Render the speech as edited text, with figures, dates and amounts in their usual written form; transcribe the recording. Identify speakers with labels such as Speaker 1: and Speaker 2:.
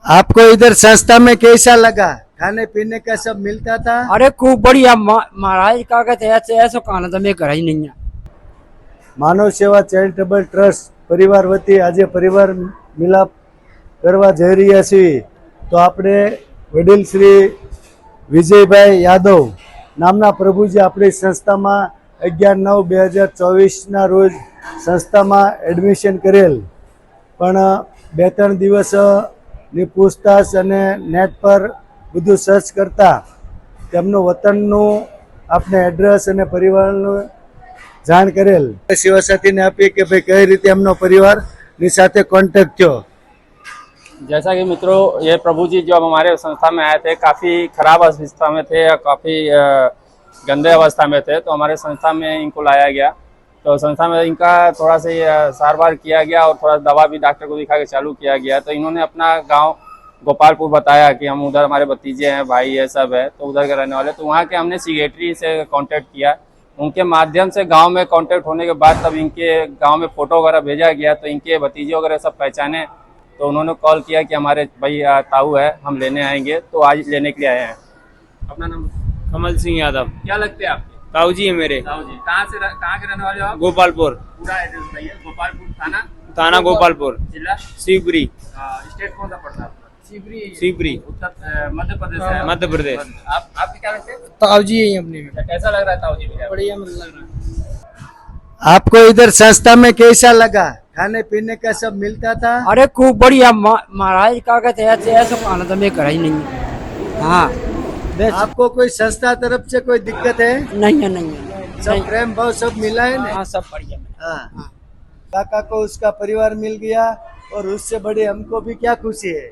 Speaker 1: आपको इधर संस्था में कैसा लगा? खाने पीने का सब मिलता था?
Speaker 2: अरे खूब बढ़िया महाराज का कहते ऐसे ऐसा खाना तो मैं घर ही नहीं है।
Speaker 1: માનવ સેવા ચેરિટેબલ ટ્રસ્ટ પરિવાર વતી આજે પરિવાર મિલાપ કરવા જઈ રહ્યા છીએ તો આપણે વડીલ શ્રી વિજયભાઈ યાદવ નામના પ્રભુજી આપણી સંસ્થામાં 11/9/2024ના રોજ સંસ્થામાં એડમિશન કરેલ પણ 2-3 દિવસની પૂછતાછ અને નેટ પર બધું સર્ચ કરતા તેમનું વતનનું આપણે એડ્રેસ અને પરિવારનું જાણ કરેલ સેવા સાથીને આપી કે ભાઈ કઈ રીતે એમનો પરિવારની સાથે કોન્ટેક્ટ થયો।
Speaker 3: जैसा कि मित्रों, ये प्रभु जी जो हमारे संस्था में आए थे काफ़ी खराब अवस्था में थे, काफ़ी गंदे अवस्था में थे, तो हमारे संस्था में इनको लाया गया। तो संस्था में इनका थोड़ा सा सार बार किया गया और थोड़ा दवा भी डॉक्टर को दिखा के चालू किया गया। तो इन्होंने अपना गांव गोपालपुर बताया कि हम उधर हमारे भतीजे हैं, भाई है, सब है, तो उधर के रहने वाले। तो वहाँ के हमने सेक्रेटरी से कांटेक्ट किया, उनके माध्यम से गांव में कांटेक्ट होने के बाद तब इनके गांव में फ़ोटो वगैरह भेजा गया। तो इनके भतीजे वगैरह सब पहचाने, तो उन्होंने कॉल किया कि हमारे भाई ताऊ है, हम लेने आएंगे। तो आज लेने के लिए आए हैं। अपना नाम?
Speaker 4: कमल सिंह यादव।
Speaker 3: क्या लगते हैं आपके?
Speaker 4: ताऊ जी है मेरे।
Speaker 3: ताऊ जी कहाँ के रहने वाले हो आप?
Speaker 4: गोपालपुर।
Speaker 3: पूरा एड्रेस बताइए। गोपालपुर थाना?
Speaker 4: थाना गोपालपुर।
Speaker 3: जिला?
Speaker 4: शिवपुरी।
Speaker 3: स्टेट कौन सा पड़ता है?
Speaker 4: शिवपुरी
Speaker 3: उत्तर मध्य प्रदेश है।
Speaker 4: मध्य प्रदेश।
Speaker 3: आपके क्या लगते हैं?
Speaker 2: ताऊ जी है अपने में।
Speaker 3: कैसा लग रहा है ताऊ जी?
Speaker 2: बढ़िया लग रहा है।
Speaker 1: आपको इधर संस्था में कैसा लगा? खाने पीने का सब मिलता था?
Speaker 2: अरे खूब बढ़िया महाराज का कहते ऐसे ऐसा खाना तो मैं घर ही नहीं है। हाँ
Speaker 1: आपको कोई संस्था तरफ से कोई दिक्कत है?
Speaker 2: नहीं है, नहीं है।
Speaker 1: सब प्रेम भाव सब मिला है ना?
Speaker 2: हाँ सब बढ़िया।
Speaker 1: हाँ। काका को उसका परिवार मिल गया और उससे बड़ी हमको भी क्या खुशी है।